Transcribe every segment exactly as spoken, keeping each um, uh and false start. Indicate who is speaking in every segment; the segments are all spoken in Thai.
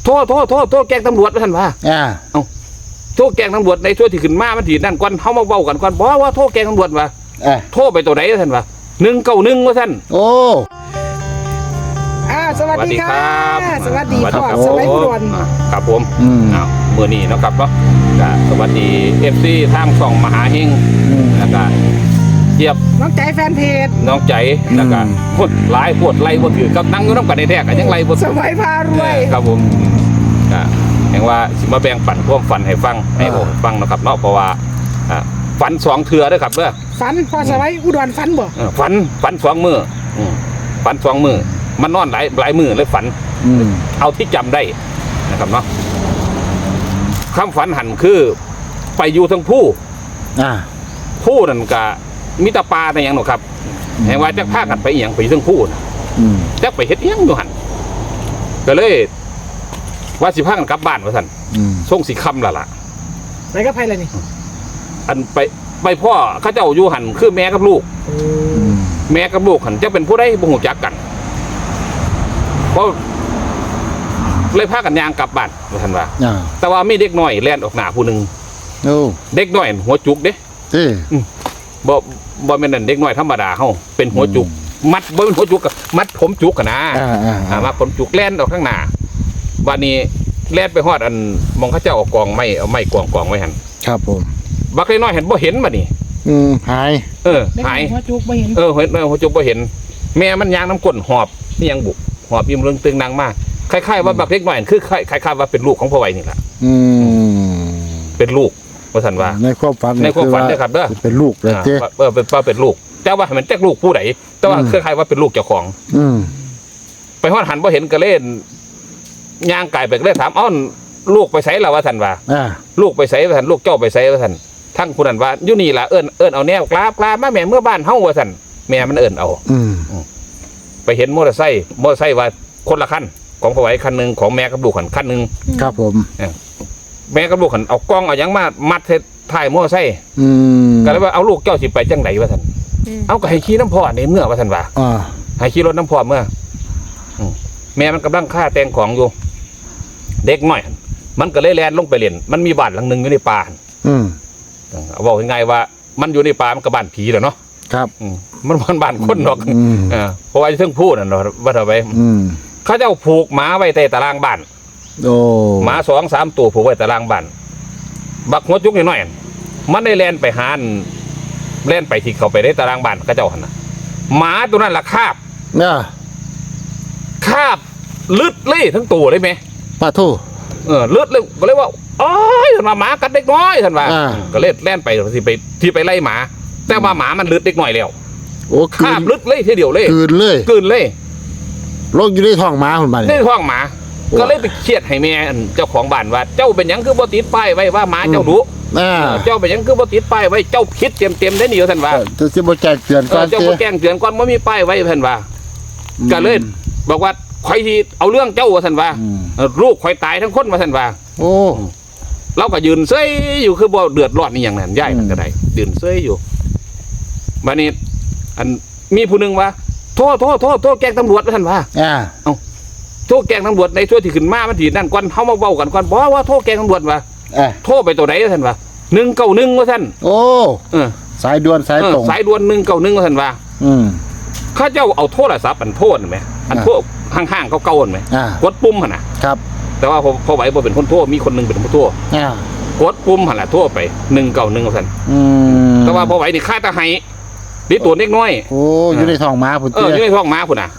Speaker 1: โทษโทษโทษโทษแกงตำรวจท่านว่า
Speaker 2: อ่า
Speaker 1: เอาโทษแกงตำรวจในช่วงที่ขึ้นมามันถีนั่นก่อนเขามาเว้ากันก่อนบอกว่าโทษแกงตำรวจว่าโทษไปตัวไหนท่านว่าหนึ่งเก้าหนึ่งว่าท่าน
Speaker 2: โอ้
Speaker 3: อ่าสวัสดีครับสวัสดีพ่อสวัสดีอุดร
Speaker 1: ครับผมอ้าวเมื่อนี้นะครับเนาะสวัสดีเอฟซีทางช่องมหาเฮงแล้วก็เจี๊ยบ
Speaker 3: น้องใจแฟนเพจ
Speaker 1: น้องใจแล้วก็พูดหลายพูดไล่บ่ถือกับนั่งอยู่น้ำกันในแท้กันยังไล่บ่
Speaker 3: สมัยพารวย
Speaker 1: ครับผมก็แห่งว่าสิมาแบ่งปันความฝันให้ฟังให้ผมฟังนะครับเนาะเพราะว่าฝันสองเทื่อด้วยครับเด้อ
Speaker 3: ฝันพอสมัยอุดรฝันบ่
Speaker 1: ฝันฝันสองมือฝันสองมือมันนอนหลายหลายมือเลยฝันเอาที่จำได้นะครับเนาะคำฝันหันคือไปอยู่ทั้งผู้ผู้นั่นก็มิตรปลาในอย่างหนูครับแห่งว่าจะพากันไปอย่างไปทั้งผู้นะจะไปเฮ็ดยังอยู่หันก็เลยว่าสิพากันกลับบ้านว่าสั่นส่งสีคำละล่ะ
Speaker 3: ไปกับใครเลยนี่
Speaker 1: อันไปไปพ่อเขาเจ้าอยู่หันคือแม่กับลูกแม่กับลูกหันจะเป็นผู้ได้บ่ฮู้จักกันเพราะเลยพากันยางกลับบ้านว่าสั่นว่าแต่ว่ามีเด็กน้อยแล่นออกหน้าผู้หนึ่งเด็กน้อยหัวจุกเด้บ่บ่แม่นนั่นเด็กน้อยธรรมดาเฮาเป็นหัวจุกมัดบ่เป็นหัวจุกกับมัดผมจุกกันนะอ่ามาผมจุกแล่นออกข้างหน้าวันนี้แล่นไปฮอดอันมองเขาเจ้าเอากองไม้เอาไม้กองกองไว้หั่น
Speaker 2: ครับผม
Speaker 1: บักเล็กน้อยเห็นบ่เห็นบัดนี้
Speaker 2: อืมหาย
Speaker 1: เออหาย
Speaker 3: หัวจุกบ่เห็น
Speaker 1: เออหัวจุกบ่เห็นแม่มันยางน้ำก้นหอบนี่ยังบุกหอบยิ้มเรื่องตึงนางมากคล้ายๆว่าบักเล็กน้อยคือคล้ายๆว่าเป็นลูกของพ่อไว้นี่แหละ
Speaker 2: อืม
Speaker 1: เป็นลูกว่าสันว่า
Speaker 2: ในความฝัน
Speaker 1: ในความฝันเนี่ยครับเด้อ
Speaker 2: เป็นลูกเลยเจ้
Speaker 1: เออเป็นว่าเป็นลูกแต่ว่ามันแจ๊กลูกผู้ใดแต่ว่าคล้ายๆว่าเป็นลูกเจ้าของ
Speaker 2: อืม
Speaker 1: ไปฮอดหันบ่เห็นก็เล่นย่างไก่ไปก็เลยถามอ้าวลูกไปไสแล้วว่าสันว่าลูกไปไสว่าสันลูกเจ้าไปไสว่าสันทั้งผู้นั้นว่าอยู่นี่ล่ะเอิ้นเอิ้นเอาแนวกราบกราบมาแม่เมื่อบ้านเฮาว่าสันแม่มันเอิ้นเอา
Speaker 2: อืม
Speaker 1: ไปเห็นมอเตอร์ไซค์มอเตอร์ไซค์ว่าคนละคันของพ่อไว้คันนึงของแม่กับลูกคันนึง
Speaker 2: ครับผม
Speaker 1: แม่กับลูกขันเอากล้องเอายังมามัดเทถ่ายมอไซค์ก็เลยว่าเอาลูกเจ้าสิไปจังไหนวะท่านเอาก็ให้ขี่น้ำพอในเมื่อวะท่านว่าให้ขี่รถน้ำพอเมื่อแม่มันกำลังฆ่าแตงของอยู่เด็กหน่อยมันก็เลยแลนลงไปเล่นมันมีบ้านหลังหนึ่งอยู่ในป่าเอาบอกยังไงว่ามันอยู่ในป่ามันกับบ้านผีเหรอเนาะ
Speaker 2: ครับ
Speaker 1: มันมันบ้านคนหรอกเพราะว่าเพิ่งพูดน่ะเนาะว่าทำไมเขาเจ้าผูกหมาไว้ในตารางบ้าน
Speaker 2: โอ้
Speaker 1: หมาสองสามตัวผูกไว้ตารางบ้านบักหัวจุกน้อยมันได้แล่นไปหาแล่นไปที่เขาไปได้ตารางบ้านก็เจ้าหันนะหมาตัวนั้นละคาบ
Speaker 2: เนี่ย
Speaker 1: คาบลึดเลยทั้งตัวเลยไหม
Speaker 2: ป้าทู
Speaker 1: เออลึดเลยก็เลยว่าอ๋อท่านมาหมากัดเด็กน้อยท่านว่าก็เล่นแล่นไปที่ไปที่ไปไล่หมาแต่ว่าหมามันลึดเด็กน้อยแล้ว
Speaker 2: โอ้
Speaker 1: คาบลึดเลยทีเดียวเลย
Speaker 2: กืนเลย
Speaker 1: กืนเลย
Speaker 2: โรคอยู่ในท้องหมาคนบ้าน
Speaker 1: ในท้องหมาก็เลยไปเครียดให้แม่เจ้าของบ้านว่าเจ้าเป็นยังคือบ่ติดป้ายไว้ว่าหมาเจ้าดุเจ้าเป็นยังคือบ่ติดป้ายไว้เจ้าคิดเต็มเต็มได้หนิท่านว่า
Speaker 2: เจ้าบ่แจ้งเตือนก่อน
Speaker 1: เจ้าบ่แจ้งเตือนก่อนว่ามีป้ายไว้ท่านว่าก็เลยบอกว่าใครที่เอาเรื่องเจ้าท่านว่าลูกใครตายทั้งคนว่าท่านว่า
Speaker 2: โอ้
Speaker 1: เราก็ยืนเซ้ยอยู่คือบ่เดือดร้อนนี่อย่างนั้นย่ายมันก็ได้ยืนเซ้ยอยู่บัดนี้อันมีผู้นึงว่าโทษโทษโทษโทษแกงตำรวจว่าท่านว่าเอ้าโทษแกงตำรวจในช่วงที่ขึ้นมามันถีนั่นก่อนเขามาเว้ากันก่อนบอกว่าโทษแกงตำรวจว่าโทษไปตัวไหนท่านว่าหนึ่งเก้าหนึ่งว่าท่าน
Speaker 2: โอ้สายด่วนสายตรง
Speaker 1: สายด่วนหนึ่งเก้าหนึ่งว่าท่านว่าข้าเจ้าเอาโทษศัพท์อันโทษไหมอันโทษห่างๆเขาเก่าไหมกดปุ่มหันนะครับแต่ว่าพอพอไหวพอเป็นคนโทษมีคนหนึ่งเป็นคนโทษกดปุ่มหันแหละโทษไปหนึ่งเก้าหนึ่งว่าท่านแต่ว่าพอไหวนี่ฆ่าตาไห้ดิตัวเล็กน้อย
Speaker 2: โอ้อยู่ในท้องม้าพุ่น
Speaker 1: เอออยู่ในท้องม้าพุ่นอ่ะ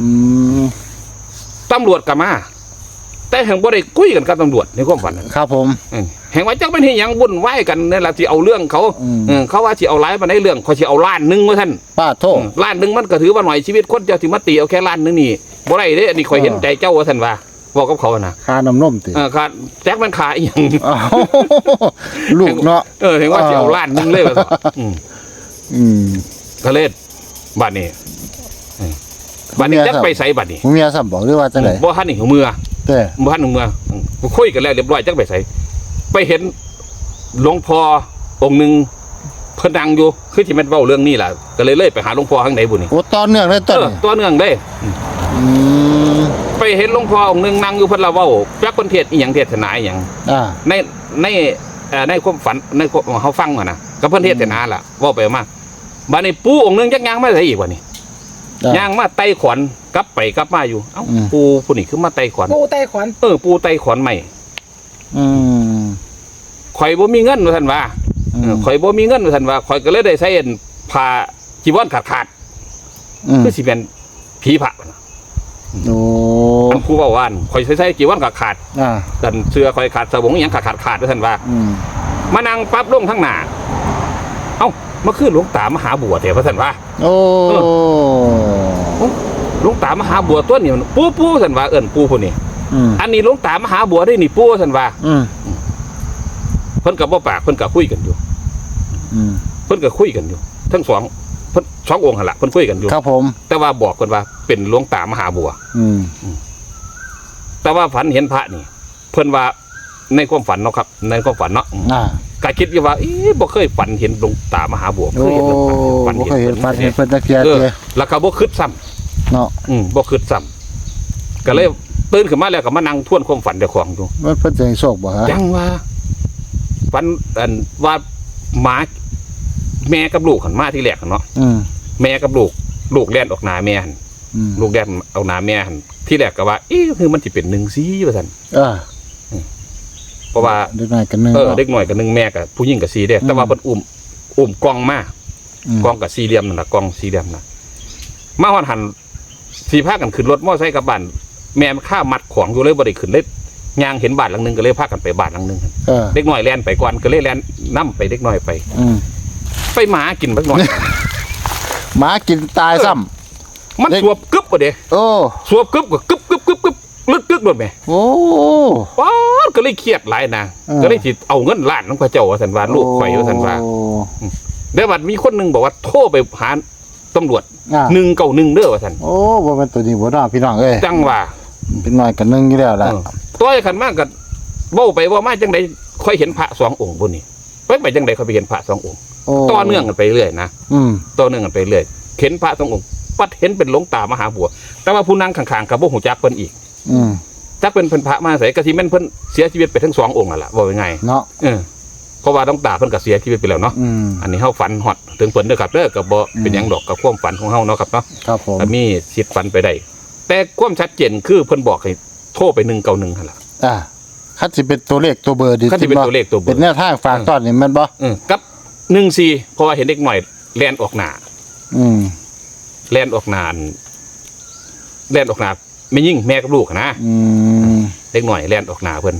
Speaker 1: ตำรวจกับมาแต่แห่งบ่ได้คุยกันกับตำรวจในความฝัน
Speaker 2: ครับผม
Speaker 1: แห่งว่าจักเป็นที่ยังวุ่นวายกันนี่แหละที่เอาเรื่องเขาเขาว่าที่เอาไล่มาในเรื่องเขาที่เอาล้านหนึ่งว่าท่าน
Speaker 2: ป้าโทษ
Speaker 1: ล้านหนึ่งมันก็ถือว่าหน่อยชีวิตคนเจ้าที่มาตีเอาแค่ล้านหนึ่งนี่บ่ได้เด้อันนี้คอยเห็นใจเจ้าว่าท่านว่าบอกกับเขานะ
Speaker 2: ค่าน้ำนมติ
Speaker 1: ค่าแจ็คมันขาอย่าง
Speaker 2: ลูกเนาะ
Speaker 1: เออเห็นว่าที่เอาล้านหนึ่งเลยว่าอืมก็เล่นบ้านนี้บ้านนี้จะไปใส่บ้านนี้
Speaker 2: เมียสับบอกด้วยว่าจะไหน
Speaker 1: บ่ฮันนี่หัวเมือแต่บ่ฮันหัวเมือคุยกันแล้วเรียบร้อยจังไปใส่ไปเห็นหลวงพ่อองค์หนึ่งเพิ่นดังอยู่คือที่มันเว้าเรื่องนี้แหละก็เลยเลยไปหาหลวงพ่อข้างในบุญนี่
Speaker 2: โอ้ตอนเนื่องเลยตอน
Speaker 1: ตอนเนื่องได้ไปเห็นหลวงพ่อองค์หนึงนั่งอยู่เพิ่นละเว้าจักเพิ่นเทศน์อีหยังเทศนาอีหยัง
Speaker 2: อ่า
Speaker 1: ในในเอ่อในความฝันในความเฮาฟังว่านะก็เพิ่นเทศนาล่ะเว้าไปมาบัดนี้ปู่องค์หนึงจักย่างมาได้อีกว่านี่
Speaker 2: อ่า
Speaker 1: ย่างมาไต่ขวัญกลับไปกลับมาอยู่เอ้า
Speaker 2: อืม
Speaker 1: ปู่ผู้นี้คือมาไต่ขวัญ
Speaker 3: ปูไต้ขวัญ
Speaker 1: เออปู่ไต่ขวัญใหม่
Speaker 2: อืม
Speaker 1: ข่อยบ่มีเงินว่าซั่นว่า
Speaker 2: อื
Speaker 1: เออ
Speaker 2: ม
Speaker 1: ข่อยบ่มีเงินว่าซั่นว่าข่อยก็เลยได้ใช้อันผ้าจีวรขาด
Speaker 2: อืม
Speaker 1: ๆคือสิเป็นผีพระว่ะนะ
Speaker 2: โอ้
Speaker 1: อันผู้เว้าว่านข่อยใช้ใช้จีวรขาด
Speaker 2: อ่า
Speaker 1: ๆดันเสื้อข่อยขาดสบงอีหยังขาดๆขาดว่าซั่นว่า
Speaker 2: อืม
Speaker 1: มานั่งปั๊บลงทั้งหน้าเอ้ามาคือหลวงตามหาบัวแต่ว่าซั่นว่า
Speaker 2: โอ้
Speaker 1: หลวงตามหาบัวตัวนี้มันปู่ปู่ซั่นว่าเอิ้นปู่ผู้นี้
Speaker 2: อืม
Speaker 1: อันนี้หลวงตามหาบัวได้นี่ปู่ซั่นว่า
Speaker 2: อืม
Speaker 1: เพิ่นก็บ่ปากเพิ่นก็คุยกันอยู่
Speaker 2: อืม
Speaker 1: เพิ่นก็คุยกันอยู่ ทั้งสองเพิ่นสององค์หั่นล่ะเพิ่นคุยกันอยู่
Speaker 2: ครับผม
Speaker 1: แต่ว่าบอกเพิ่นว่าเป็นหลวงตามหาบัว
Speaker 2: อืม
Speaker 1: แต่ว่าฝันเห็นพระนี่ เพิ่นว่าในความฝันเนาะครับ ในความฝันเนาะ
Speaker 2: อ่า
Speaker 1: ก็คิดอยู่ว่าเอ๊ะบ่เคยฝันเห็นหลวงตามหาบัว
Speaker 2: โอ้
Speaker 1: เคยเห็นหลวงตาฝัน
Speaker 2: บ่
Speaker 1: เห็น
Speaker 2: เคยเห็นฟันเห็นเพิ่นตะเกียบ
Speaker 1: เออ
Speaker 2: เด้
Speaker 1: แล้วก็บ่คิดซ้ำ
Speaker 2: เนาะ
Speaker 1: อืมบ่คิดซ้ำก็เลยตื่นขึ้นมาแล้วก็มานั่งทวนความฝันเจ้าของอยู่
Speaker 2: มันเพิ่นจะให้โชคบ่ฮะ
Speaker 1: จังว่าฝันอันว่าหมาแม่กับลูกหันมาที่แรกหั่นเนาะ
Speaker 2: อืม
Speaker 1: แม่กับลูก ลูกแล่นออกหน้าแม่หั่น
Speaker 2: อืม
Speaker 1: ลูกแล่นเอาหน้าแม่หั่นที่แรกก็ว่าเอ๊ะคือมันสิเป็นหนึ่งสีว่าซั่น
Speaker 2: อ่า
Speaker 1: เพราะว่า
Speaker 2: เด็กน้อยกันหนึง
Speaker 1: เออเด็กหน่อยกับหนึ่งแม่กับผู้หญิงกับสีเด้แต่ว่าเพิ่นอุ้มอุ้มกล้องมา
Speaker 2: อืม
Speaker 1: กล้องกับสี่เหลี่ยมนั่นน่ะกล้องสี่เหลี่ยมน่ะมาฮอดหันสีพากันขึ้นรถมอไซค์กลับบ้านแม่มันข้ามัดของอยู่เลยบ่ได้ขึ้นเลยย่างเห็นบ้านหลังหนึงก็เลยพากันไปบ้านหลังหนึง
Speaker 2: เออ
Speaker 1: เด็กน้อยแล่นไปก่อนก็เลยแล่นนํไปเด็กน้อยไป
Speaker 2: อืม
Speaker 1: ไปหมากินบักน้อย
Speaker 2: หมากินตายซ้ำ
Speaker 1: มัน
Speaker 2: เด็ก
Speaker 1: สวบกึบบ่เด้
Speaker 2: โอ้
Speaker 1: สวบกึบก็กึบกึบกึบกึบลึกกึบโดดแม่
Speaker 2: โอ้
Speaker 1: ป๊าดก็เลยเครียดหลายนะ
Speaker 2: เออ
Speaker 1: ก็เลยสิเอาเงินล้านของพระเจ้าว่าซั่นว่าลูกข่อยว่าซั่นว่า
Speaker 2: โอ้
Speaker 1: เดี๋ยวบัดมีคนหนึงบอกว่าโทรไปหาตำรวจ
Speaker 2: อ่า
Speaker 1: หนึ่งเก้าหนึ่งเด้อว่าซั่น
Speaker 2: โอ้บ่แม่นตัวนี้บ่เนาะพี่น้องเอ้ย
Speaker 1: จังว่า
Speaker 2: เป็นน้อยกันหนึงอยู่แล้วล่ะ
Speaker 1: เออตัวไอ้ขันมากก็เว้าไปเว่ามาจังไดค่อยเห็นพระสององค์พุ่นนี่ไปไปจังไดค่อยไปเห็นพระสององค์
Speaker 2: โอ้
Speaker 1: ต่อเนื่องกันไปเรื่อยนะ
Speaker 2: อืม
Speaker 1: ต่อเนื่องกันไปเรื่อยเห็นพระสององค์ปัดเห็นเป็นหลวงตามหาบัว แต่ว่าผู้นั่งข้างๆกับบ่ฮู้จักเพิ่นอีก
Speaker 2: อืม
Speaker 1: จักเป็นเพิ่นพระมาไสก็สิแม่นเพิ่นเสียชีวิตไปทั้งสององค์นั่นล่ะว่ายังไง
Speaker 2: เนาะ
Speaker 1: เออเพราะว่าหลวงตาเพิ่นก็เสียชีวิตไปแล้วเนาะ
Speaker 2: อืม
Speaker 1: อันนี้เฮาฝันฮอดถึงเพิ่นเด้อครับเด้อก็บ่เป็นหยังดอกกับความฝันของเฮาเนาะครับเนาะ
Speaker 2: ครับผม
Speaker 1: ก็มีสิทธิ์ฝันไปได้แต่ความชัดเจนคือเพิ่นบอกให้โทรไปหนึ่งเก้าหนึ่งหั่นล่ะ
Speaker 2: อ่าคันสิเป็นตัวเลขตัวเบอร์ดิ
Speaker 1: คันสิเป็นตัวเลขตัวเบอร์
Speaker 2: เป็นแนวทางฝากตอนนี่แม่นบ่
Speaker 1: เออกับหนึ่งสี่เพราะว่าเห็นเด็กหน่อยแลนออกหนา
Speaker 2: อืม
Speaker 1: แลนออกหนาแลนออกหนาไม่ยิ่งแม่กับลูกอะนะ
Speaker 2: อืม
Speaker 1: เด็กหน่อยแลนออกหนาเพิ่น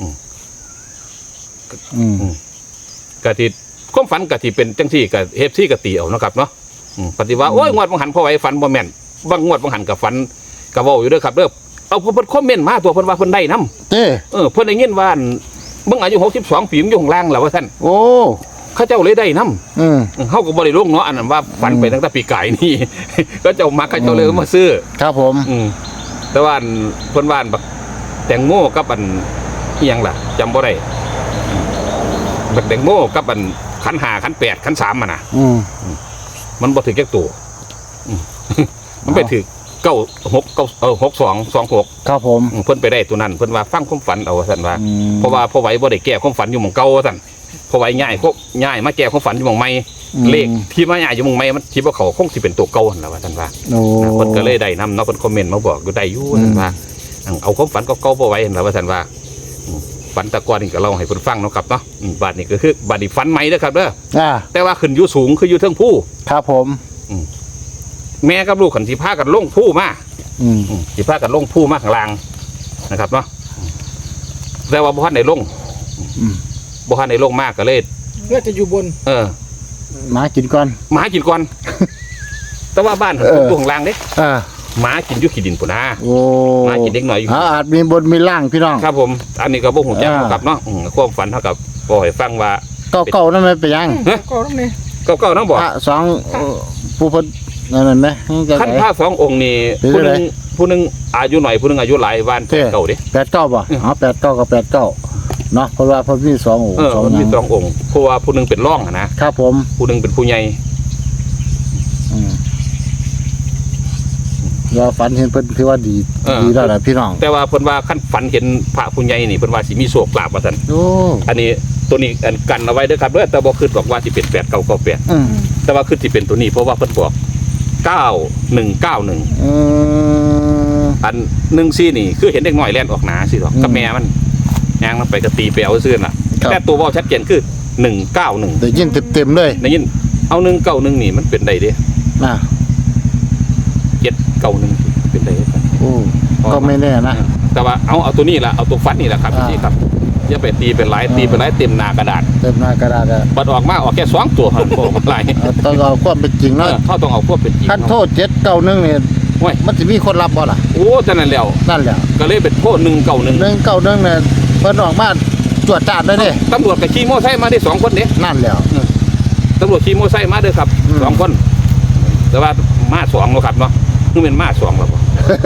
Speaker 2: อืม
Speaker 1: กะทิความฝันกะทิเป็นจังซี่กะเฮฟซี่กะตีเอาเนาะครับเนาะอืมปฏิว่าโอ้ยงวดบังหันพอไว้ฝันบ่แม่นบางงวดบังหันกับฝันกะเว้าอยู่เด้อครับเด้อเอาเพิ่นคอมเมนต์มาตัวเพิ่นว่าเพิ่นได้นํ
Speaker 2: เต้
Speaker 1: เออเพิ่นได้ยินว่ามึงอายุหกสิบสองปีมึงอยู่ข้างล่างแล้วว่าซั่น
Speaker 2: โอ้
Speaker 1: เขาเจ้าเลยได้นํ
Speaker 2: อืม
Speaker 1: เฮาก็บ่ได้ลงเนาะอันนั้นว่าฝันไปตั้งแต่ปีกายนี่ ก็เจ้ามาเขาเจ้าเลยเอามาซื้อ
Speaker 2: ครับผม
Speaker 1: อืมแต่ว่าอันเพิ่นว่าอันบักแตงโมกับอันอีหยังล่ะจำบ่ได้บักแตงโมกับอันขันห้าขันแปดขันสามมันน่ะ
Speaker 2: อืม
Speaker 1: มันบ่ถึงแค่ตัวอืม มันไปถึงเก้าหกเก้าเออหกสองสองหก
Speaker 2: ครับผม
Speaker 1: เพิ่นไปได้ตัวนั้นเพิ่นว่าฟังความฝันเอาซั่นว่า
Speaker 2: อืม
Speaker 1: เพราะว่าพ่อไหวบ่ได้แก้ความฝันอยู่หม่องเก่าซั่นพ่อไหวย้ายพวกย้ายมาแก้ความฝันอยู่หม่องใหม่เลขที่มาย้ายอยู่หม่องใหม่มันคิดว่าเขาคงสิเป็นตัวเก่าหั่นล่ะว่าซั่นว่า
Speaker 2: โอ้
Speaker 1: เพิ่นก็เลยได้นำเนาะเพิ่นคอมเมนต์มาบอกอยู่ได้อยู่นั่นว่าเอาความฝันเก่าๆบ่ไว้เห็นแล้วว่าซั่นว่าอืมฝันแตะกอนนี่ก็เล่าให้เพิ่นฟังเนาะครับเนาะอืมบาดนี้ก็คือบาดนี้ฝันใหม่เด้อครับเด้อ
Speaker 2: อ่า
Speaker 1: แต่ว่าขึ้นอยู่สูงคืออยู่เทิงผู้
Speaker 2: ครับผม
Speaker 1: แม่กับลูกขันสิพากันลงผู้มา
Speaker 2: อืม
Speaker 1: อืมสิพากันลงผู้มาข้างล่างนะครับเนาะแต่ว่าบ่ทันได้ลง
Speaker 2: อืม
Speaker 1: บ่ทันได้ลงมากก็เลย
Speaker 3: เพื่อจะอยู่บน
Speaker 1: เออ
Speaker 2: หมากินก่อน
Speaker 1: หมากินก่อน แต่ว่าบ้านหัน
Speaker 2: เออ
Speaker 1: ตัวข้างล่างเด้
Speaker 2: อ่า
Speaker 1: หมากินอยู่ขี้ดินพุ่นนะ
Speaker 2: โอ้
Speaker 1: หมากินเด็กน้อยอยู่
Speaker 2: อ่าอาจมีบนมีล่างพี่น้อง
Speaker 1: ครับผม อันนี้ก็บ่ฮู้จัก
Speaker 2: อ่า
Speaker 1: ครับเนาะอืมความฝันเท่ากับบ่ให้ฟังว่า
Speaker 2: เก่าเก่าๆนั่นไม่เป็นหยัง
Speaker 1: เอ๊ะ
Speaker 3: ก็ต้องนี่
Speaker 1: เก่าๆนำบ่
Speaker 2: พระสองเอ่อผู้เพิ่นนั่นนั่นไหมจัง
Speaker 1: ขั้น
Speaker 2: ได๋
Speaker 1: พระสององค์นี่
Speaker 2: เป็น
Speaker 1: ผู้ห
Speaker 2: ไง
Speaker 1: นึงผู้หนึงอายุหน่อยผู้หนึงอายุหลายวัน
Speaker 2: เท่
Speaker 1: เก่าเด้
Speaker 2: แปดเก้าบ่อ๋อแปดเก้ากับแปดเก้าเนาะเพราะว่าเพิ่นมีสององค์
Speaker 1: เออ
Speaker 2: สอง
Speaker 1: มัน
Speaker 2: ห
Speaker 1: มี
Speaker 2: ยัง
Speaker 1: สององค์เพราะว่าผู้หนึงเป็นร่องอะนะครับ
Speaker 2: ผม
Speaker 1: ผู้หนึงเป็นผู้ใหญ่
Speaker 2: อืมรว่าฝันเห็นเพิ่นถือว่าดี
Speaker 1: เออ
Speaker 2: ดีแล้วล่ะพี่น้อง
Speaker 1: แต่ว่าเพิ่นว่าขั้นฝันเห็นพระผู้ใหญ่นี่เพิ่นว่าสิมีโชคลาภว่าซั่น
Speaker 2: โอ้
Speaker 1: อันนี้ตัวนี้อันกันเอาไว้เด้อครับเด้อแต่บ่คิดบอกว่าสิเป็นแปดเก้าเก้าแปด
Speaker 2: อืม
Speaker 1: แต่ว่าคือสิเป็นตัวนี้เพราะว่าเพิ่นบอกเก้าหนึ่งเก้าหนึ่ง
Speaker 2: อืม
Speaker 1: อันหนึ่งซี่นี่คือเห็นเด็กน้อยแล่นออกหนาสิหรอก
Speaker 2: อืม
Speaker 1: กับแม่มันย่างมันไปกระตีไปเอาซื่อน่ะ
Speaker 2: ครับ
Speaker 1: แต่ตัวเว้าชัดเจนคือหนึ่งเก้าหนึ่ง
Speaker 2: ได้ยินเต็มๆเลย
Speaker 1: ได้ยินเอาหนึ่งเก้าหนึ่งนี่มันเป็นได้เด้
Speaker 2: นะ
Speaker 1: เจ็ดเก้าหนึ่งเป็นได้เด้
Speaker 2: โอ้ก็ไม่แน่นะ
Speaker 1: แต่ว่าเอาเอาตัวนี้ละเอาตัวฟันนี่แหละครับ
Speaker 2: อ่า
Speaker 1: พี่ครับอย่าไปตีเป็นหลายตีเป็นหลายเต็มหน้ากระดาษ
Speaker 2: เต็มหน้ากระดาษอะ
Speaker 1: บัดออกมาออกแค่สองตัวหันบอกมาหลาย
Speaker 2: เอาต้องเอาความเป็นจริง
Speaker 1: เอ
Speaker 2: เนาะ
Speaker 1: อเขาต้องเอาพวกเป็นจริง
Speaker 2: คันโทษเจ็ดเก้าหนึ่งเนี่ย
Speaker 1: โอ้ย
Speaker 2: มันจะมีคนรับบ่ล่ะ
Speaker 1: โอ้จังนั้นแล้ว
Speaker 2: นั่นแหละ
Speaker 1: ก็เลยเป็นโทษหนึ่งเก้าหนึ่ง
Speaker 2: หนึ่งเก้าหนึ่งเนี่ยเพิ่นออกมาตรวจจับได้เด้
Speaker 1: ตำรวจกับขี่มอไซค์มาได้สองคนเด้
Speaker 2: นั่นแหล้ว
Speaker 1: ตำรวจขี่มอไซค์มาเด้อครับ
Speaker 2: อืม
Speaker 1: สองคน แต่ว่ามาสองเนาะครับเนาะคือเป็นมาสองแล้วบ่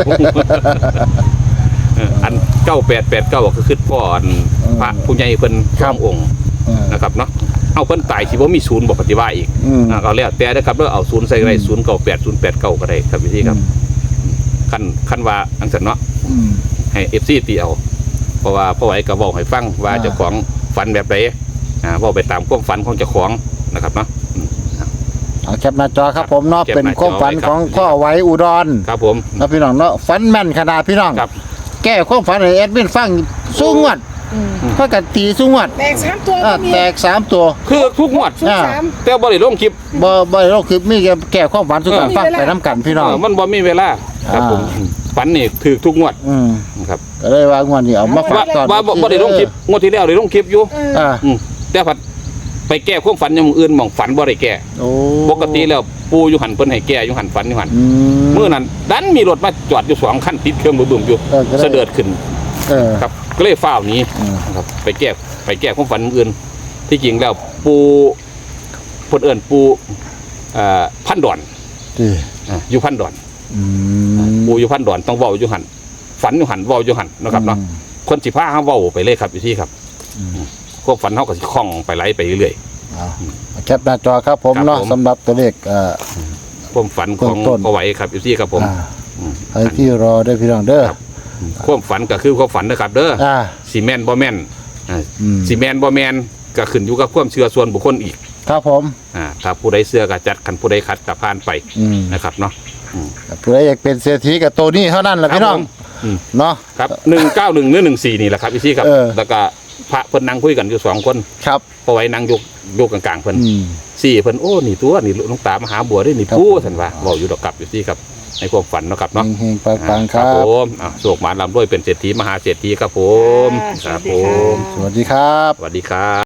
Speaker 1: เอออันเก้าแปดแปดเก้าก็คือพ่ออันพระผู้ใหญ่เพิ่นสององค์
Speaker 2: เออ
Speaker 1: นะครับเนาะเอาเพิ่นตายสิบ่มีศูนย์บ่ปฏิวัติอีก
Speaker 2: อืม
Speaker 1: อ่าก็แล้วแต่นะครับแล้วเอาศูนย์ใส่ก็ได้ศูนย์เก้าแปดศูนย์แปดเก้าก็ได้ครับพี่ครับคันคันว่าอังสันเนาะ
Speaker 2: อืม
Speaker 1: ให้ เอฟ ซี ตีเอาเพราะว่าพ่อไหวก็บอกให้ฟังว่า
Speaker 2: อ่า
Speaker 1: เจ้าของฝันแบบใดอ่าเว้าไปตามความฝันของเจ้าของนะครับเนาะอืม
Speaker 2: เอาแคปหน้าจอครับผมเนาะ
Speaker 1: แคป
Speaker 2: เป็น
Speaker 1: หน้าจอ
Speaker 2: ความฝัน
Speaker 1: ไว้ครับ
Speaker 2: ของพ่อไว้อุดร
Speaker 1: ครับผม
Speaker 2: นะพี่น้องเนาะฝันแม่นขนาดพี่น้อง
Speaker 1: ครับ
Speaker 2: แก้ความฝันให้แอดมินฟังสู้งวด
Speaker 3: อืม
Speaker 2: เพื่อกันตีสู้งวด
Speaker 3: แตกสามตัว
Speaker 2: อ่า
Speaker 3: ก็มี
Speaker 2: แตกสามตัว
Speaker 1: คือทุกงวด
Speaker 3: ชุดสาม
Speaker 1: แต่บ่ได้ลงคลิป
Speaker 2: บ่บ่ได้เราคือมีแค่แก้ความฝันสู่กัน
Speaker 3: เออ
Speaker 2: ฟังไปน้ำกันพี่น้อง
Speaker 1: เออมันบ่มีเวลาครับ
Speaker 2: อ่า
Speaker 1: ผมฝันนี่ถือทุกงวด
Speaker 2: อืม
Speaker 1: ครับ
Speaker 2: ก็เลยว่างวดนี้เอามาฝา
Speaker 1: ว่าก
Speaker 2: ตอน
Speaker 1: ว่าบ่บ่ได้ลงคลิปงวดที่แล้วได้ลงคลิปอยู่
Speaker 3: เออ
Speaker 2: อ่า
Speaker 1: อืมแต่ผัดไปแก้ความฝันอย่างอื่นหม่องฝันบ่ได้แก้
Speaker 2: โอ้
Speaker 1: ปกติแล้วปูอยู่หันเพิ่นให้แก้อยู่หันฝันอยู่หัน
Speaker 2: อืม
Speaker 1: มื้อนั้นดันมีรถมาจอดอยู่สองคันติดเครื่องบึ้มๆอยู่
Speaker 2: เออก็ได้
Speaker 1: เสด็จขึ้น
Speaker 2: เออ
Speaker 1: ครับก็เลยฟ้าวหนี้
Speaker 2: อืม
Speaker 1: นะครับไปแก้ไปแก้ความฝันอื่น ที่จริงแล้วปูเพิ่นเอิ้นปูเอ่อพันดอน
Speaker 2: ดี
Speaker 1: อ่าอยู่พันดอน
Speaker 2: อืม
Speaker 1: ปูอยู่พันดอนต้องเว้าอยู่หันฝันอยู่หันเว้าอยู่หันนะครับเนาะคนสิพาเฮาเว้าไปเลยครับอยู่ที่ครับ
Speaker 2: อืม
Speaker 1: ความฝันเฮาก็สิคล่องไปไหลไปเรื่อย
Speaker 2: เอาแคปหน้าจอครับผม
Speaker 1: ครับ
Speaker 2: เนาะ
Speaker 1: ผม
Speaker 2: สำหรับตัวเลขเอ่อ
Speaker 1: ๆความฝันของ
Speaker 2: ต้นๆ
Speaker 1: พ่อไหวครับอยู่ที่ครับผม
Speaker 2: อ่า
Speaker 1: อืม
Speaker 2: ให้พี่รอได้พี่น้องเด้อ
Speaker 1: ครับ ความฝันก็คือความฝันนะครับ เด้อ
Speaker 2: อ่า
Speaker 1: ซีแมนบ่แม่นอ่า
Speaker 2: อืม
Speaker 1: ซีแมนบ่แม่นก็ขึ้นอยู่กับความเชื่อส่วนบุคคลอีก
Speaker 2: ครับผม
Speaker 1: อ่าถ้าผู้ใดเชื่อก็จัดคันผู้ใดขัดก็ผ่านไป
Speaker 2: อืม
Speaker 1: นะครับเนาะ
Speaker 2: ผู้ใดอยากเป็นเศรษฐีกับตัวนี้เท่านั้นแหละพี่น้อง
Speaker 1: ครับผมอืม
Speaker 2: เนาะ
Speaker 1: ครับหนึ่งเก้าหนึ่งหรือหนึ่งสี่นี่แหละครับพี่ซี่ครับ
Speaker 2: เออ
Speaker 1: แล้วก็พระเพิ่นนั่งคุยกันอยู่สองคน
Speaker 2: ครับ
Speaker 1: พอไว้นั่งยกยกกลางๆเพิ่น
Speaker 2: อืม
Speaker 1: สี่เพิ่นโอ้นี่ตัวนี่หลวงตามหาบัวได้นี่
Speaker 2: ครับ
Speaker 1: ผู้ท่านว่าเว้าอยู่ดอกกับอยู่ที่ครับในความฝันเนาะครับเนาะ
Speaker 2: เฮงๆปังๆครับ
Speaker 1: ผมอ่าโศกหมานลำด้วยเป็นเศรษฐีมหาเศรษฐีครับผม
Speaker 3: อ่า
Speaker 1: ครับ
Speaker 3: สวัส
Speaker 1: ผ
Speaker 3: ดีค่ะ
Speaker 1: ม
Speaker 2: สวัสดีครับ
Speaker 1: สวัสดีครับ